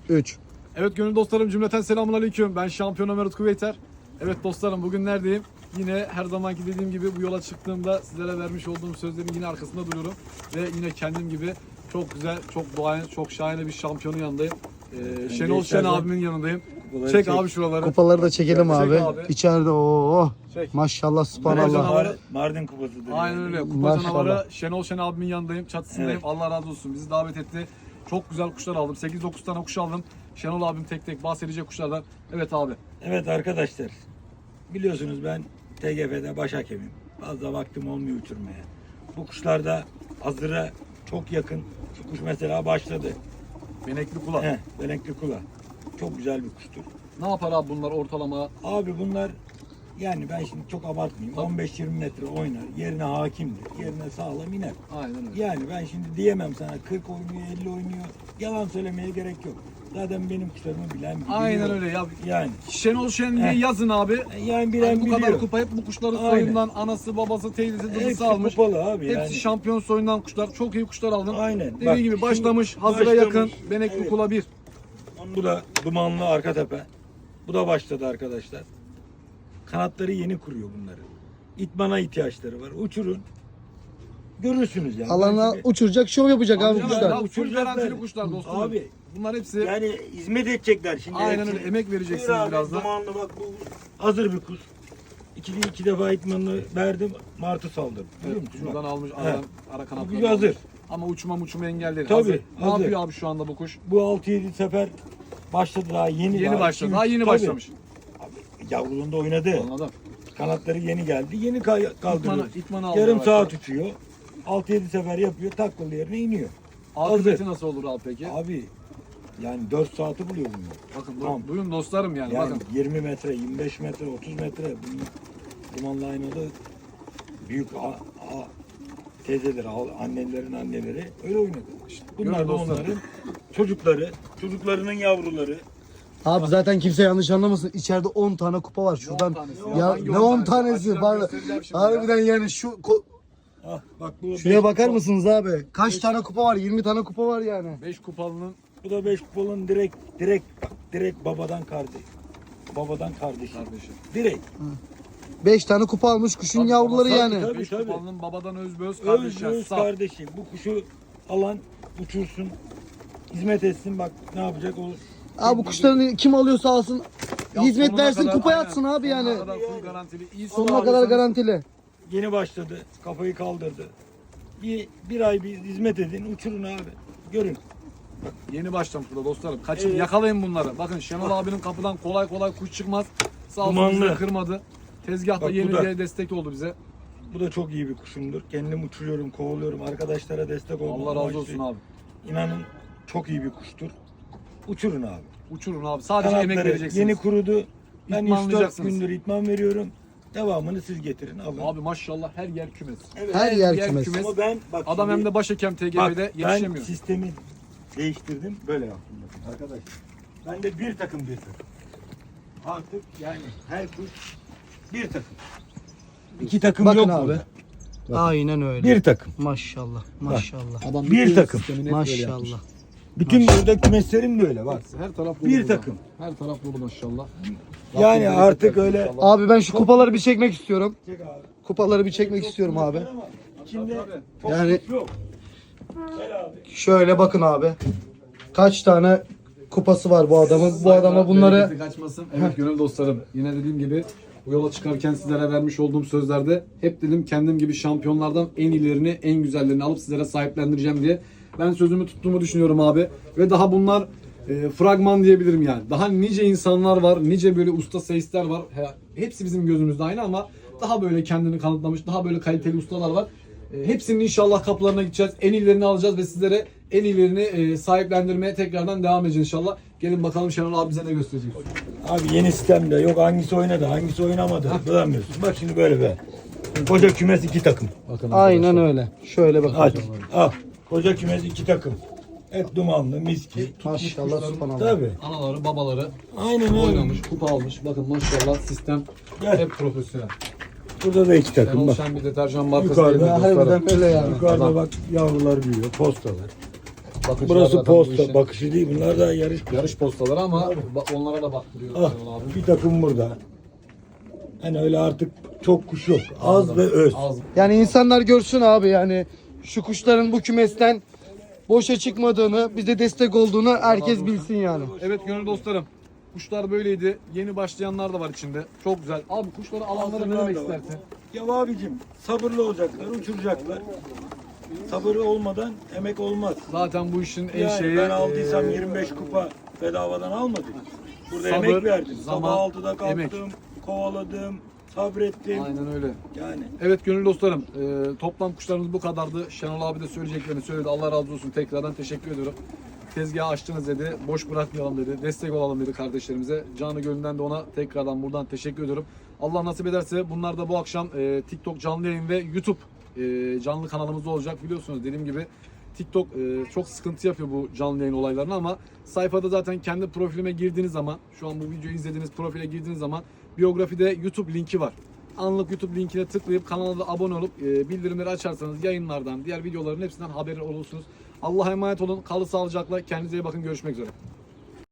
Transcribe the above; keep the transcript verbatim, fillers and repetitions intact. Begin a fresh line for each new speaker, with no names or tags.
üç.
Evet gönül dostlarım, cümleten selamun aleyküm. Ben şampiyon Ömer Utku Beyter. Evet dostlarım, bugün neredeyim? Yine her zamanki dediğim gibi bu yola çıktığımda sizlere vermiş olduğum sözlerin yine arkasında duruyorum. Ve yine kendim gibi çok güzel, çok doğayan, çok şahane bir şampiyonun yanındayım. Ee, Şenol Şen abimin yanındayım. Çek, çek abi şuraları.
Kupaları da çekelim
Çek
abi.
abi.
İçeride ooo.
Çek.
Maşallah subhanallah.
Canavarı.
Mardin kupasıdır.
Aynen öyle. Kupa
Maşallah.
canavarı Şenol Şen abimin yanındayım. Çatısındayım.
Evet.
Allah razı olsun. Bizi davet etti. Çok güzel kuşlar aldım. sekiz dokuz tane kuş aldım. Şenol abim tek tek bahsedecek kuşlardan. Evet abi.
Evet arkadaşlar. Biliyorsunuz ben T G F'de baş hakemim. Fazla vaktim olmuyor uçurmaya. Bu kuşlarda hazıra çok yakın. Şu kuş mesela başladı.
Benekli kula.
Heh, Belenkli kula. Çok güzel bir kuştur.
Ne yapar abi bunlar ortalama?
Abi bunlar yani ben şimdi çok abartmayayım.
Tabii.
on beş yirmi metre oynar. Yerine hakimdir. Yerine sağlam iner.
Aynen öyle.
Yani ben şimdi diyemem sana kırk oynuyor, elli oynuyor. Yalan söylemeye gerek yok. Zaten benim kuşlarımı bilen biliyor.
Aynen öyle ya.
Yani
Şenol Şen diye
Heh.
yazın abi.
yani bilen
Hani bu
biliyor.
kadar kupa hep bu kuşların
Aynen.
soyundan anası, babası, teyzesi,
Hepsi
dıdısı almış.
kupalı abi.
Hepsi
yani.
şampiyon soyundan kuşlar. Çok iyi kuşlar aldın.
Aynen.
Dediğim
Bak,
gibi
şimdi
başlamış, hazıra
başlamış.
yakın. Benekli
Evet.
kula bir.
Bu da dumanlı arka tepe. Bu da başladı arkadaşlar. Kanatları yeni kuruyor bunların. İtmana ihtiyaçları var. Uçurun. Görürsünüz yani.
Alana
Ben şimdi-
uçuracak, şov yapacak abi
Ya,
kuşlar.
ya, full
Uçuracaklar.
garantili kuşlar dostum.
Abi.
Bunlar hepsi
Yani hizmet edecekler şimdi.
aynen
hepsini.
öyle. Emek vereceksiniz
Buyur abi,
biraz da.
Dumanlı bak bu hazır bir kuş. İki, iki defa itmanını verdim. Martı saldırdı. Biliyor musun?
Şuradan
Bak.
almış
He.
aradan ara
Bu
kanatlarını
kuş hazır.
almış. Ama uçma uçma engelleri.
Tabii,
hazır. Ne
hazır.
yapıyor abi şu anda bu kuş?
Bu altı yedi sefer başladı daha yeni.
Yeni
daha
başladı.
iki,
Daha
üç-
yeni
tabii.
başlamış.
Yavruluğunda oynadı.
Anladım.
Kanatları yeni geldi. Yeni kay- kaldırıyor.
İtmanı, itmanı aldı
Yarım
yavaş
saat
yavaş.
uçuyor. altı yedi sefer yapıyor. Taklalı yerine iniyor.
Akıbeti nasıl olur abi peki?
Abi yani dört saati buluyor bunlar.
Bakın
Tamam.
duyun dostlarım yani,
Yani
bakın.
yirmi metre, yirmi beş metre, otuz metre bunun dumanlı aynalı büyük a, a, teyzeleri, a- annelerin anneleri öyle oynadı. İşte bunlar
Görün
da
dostlar.
onların çocukları, çocuklarının yavruları.
Abi zaten kimse yanlış anlamasın. İçeride on tane kupa var şuradan.
tanesi
Ya
Hangi
ne
on
on
tanesi?
tanesi?
Açacağım,
Var.
göstereceğim şimdi ya.
Harbiden yani şu ko-
Ah, bak bu
şuraya
beş
bakar
kupa-
mısınız abi? Kaç tane kupa var? yirmi tane kupa var yani.
beş kupalının
Bu da beş kupalın direkt direkt bak, direkt babadan kardeş. Babadan kardeşi.
kardeşi.
Direkt.
beş tane kupa almış kuşun yavruları
tabii,
yani.
tabii.
beş kupalının babadan özböz
Öz
kardeşi.
öz
Sağ.
kardeşi. Bu kuşu alan uçursun. Hizmet etsin bak ne yapacak o.
Abi bu kuşların kim alıyorsa alsın.
Ya
Hizmet
sonuna
versin,
kadar-
kupaya
aynen.
atsın abi yani.
Sonuna kadar full garantili. İyi
Sonuna
su
kadar
alırsanız-
garantili.
Yeni başladı. Kafayı kaldırdı. Bir, bir ay bir hizmet edin. Uçurun abi. Görün.
Yeni başlamış burada dostlarım. Kaçın,
Evet.
yakalayın bunları. Bakın Şenol abinin kapıdan kolay kolay kuş çıkmaz. Sağ olsun
Dumanlı.
bizi kırmadı. Tezgahta
Bak bu
yeni
da.
diye destek oldu bize.
Bu da çok iyi bir kuşumdur. Kendim uçuruyorum, kovalıyorum. Arkadaşlara destek olmak
Allah razı
amaçlı.
olsun abi.
İnanın çok iyi bir kuştur. Uçurun abi.
Uçurun abi. Sadece emek
Kanatları
vereceksiniz.
yeni kurudu. Ben üç dört
İtmanlayacaksınız.
gündür itman veriyorum. Devamını siz getirin alın.
Abi maşallah her yer kümes.
Evet.
Her yer kümes.
Ama ben bak
Adam
şimdi-
hem de başhakem T G
Bak,
B'de
ben
yetişemiyor.
sistemi değiştirdim. Böyle yaptım bakın arkadaşlar. Ben de bir takım bir takım. Artık yani her kuş bir takım. İki takım
Bakın
yok
abi.
burada.
Aynen öyle.
Bir takım.
Maşallah. Maşallah.
Adam
Bir
bütün
takım.
sistemini hep böyle yapmış.
Maşallah.
Bütün burada kümeslerim de öyle bak.
Her taraf dolu
Bir
burada.
takım.
Her taraf dolu maşallah.
Yani
Rabbim
artık
bereket
öyle-
versin inşallah.
Abi ben şu kupaları bir çekmek istiyorum.
Çek abi.
Kupaları bir çekmek istiyorum abi.
Ama İçinde çok
Yani-
kuş yok. Gel abi.
Şöyle bakın abi. Kaç tane kupası var bu adamın. Bu adama bunları
Bereketi kaçmasın. Evet gönül dostlarım. Yine dediğim gibi bu yola çıkarken sizlere vermiş olduğum sözlerde hep dedim kendim gibi şampiyonlardan en iyilerini, en güzellerini alıp sizlere sahiplendireceğim diye. Ben sözümü tuttuğumu düşünüyorum abi. Ve daha bunlar e, fragman diyebilirim yani. Daha nice insanlar var, nice böyle usta seyisler var. He- Hepsi bizim gözümüzde aynı ama daha böyle kendini kanıtlamış, daha böyle kaliteli ustalar var. E, Hepsinin inşallah kapılarına gideceğiz. En iyilerini alacağız ve sizlere en iyilerini e, sahiplendirmeye tekrardan devam edeceğiz inşallah. Gelin bakalım Şenol abi bize ne gösterecek.
Abi yeni sistemde yok hangisi oynadı hangisi oynamadı bulamıyorsun. Bak şimdi böyle be. Koca kümes iki takım.
Bakın
aynen
arkadaşlar.
öyle. Şöyle bakın.
Hadi al. Koca kümes iki takım. Hep dumanlı miski.
Maşallah subhanallah.
Tabii.
Anaları, babaları
Aynen öyle.
oynamış, kupa almış. Bakın maşallah sistem
Gel.
hep profesyonel.
Burada da iki takım
Şenol
bak.
Şen bir deterjan markası
Yukarıda
değil mi dostlarım?
Harbiden öyle yani.
Yukarıda
Adam.
bak yavrular büyüyor. Postalar.
bakıcılar
Burası
zaten bu
posta,
işin
bakışı değil. Bunlar da yarış.
yarış postaları ama ba- onlara da baktırıyoruz
Ah,
Şenol abi.
bir takım burada. Hani öyle artık çok kuş yok. Az ve öz.
Az.
Yani insanlar görsün abi, yani şu kuşların bu kümesten boşa çıkmadığını, bize destek olduğunu herkes bilsin yani.
Evet gönül dostlarım. Kuşlar böyleydi. Yeni başlayanlar da var içinde. Çok güzel. Abi kuşları alanlara ne demek
da var.
istersin?
Ya abicim sabırlı olacaklar, uçuracaklar. Sabırlı olmadan emek olmaz.
Zaten bu işin en
Yani
şeyi
ben aldıysam
e,
yirmi beş kupa bedavadan almadım. Burada
sabır,
emek verdim.
zaman,
Sabah altıda kalktım,
emek.
kovaladım, sabrettim.
Aynen öyle.
Yani
Evet gönül dostlarım, e, toplam kuşlarımız bu kadardı. Şenol abi de söyleyeceklerini söyledi. Allah razı olsun, tekrardan teşekkür ediyorum. Tezgahı açtınız dedi, boş bırakmayalım dedi, destek olalım dedi kardeşlerimize. Canı gönülden de ona tekrardan buradan teşekkür ediyorum. Allah nasip ederse bunlar da bu akşam e, TikTok canlı yayın ve YouTube e, canlı kanalımızda olacak. Biliyorsunuz dediğim gibi TikTok e, çok sıkıntı yapıyor bu canlı yayın olaylarını ama sayfada zaten kendi profilime girdiğiniz zaman, şu an bu videoyu izlediğiniz profile girdiğiniz zaman biyografide YouTube linki var. Anlık YouTube linkine tıklayıp kanala da abone olup e, bildirimleri açarsanız yayınlardan, diğer videoların hepsinden haberi olursunuz. Allah'a emanet olun. Kalın sağlıcakla. Kendinize iyi bakın. Görüşmek üzere.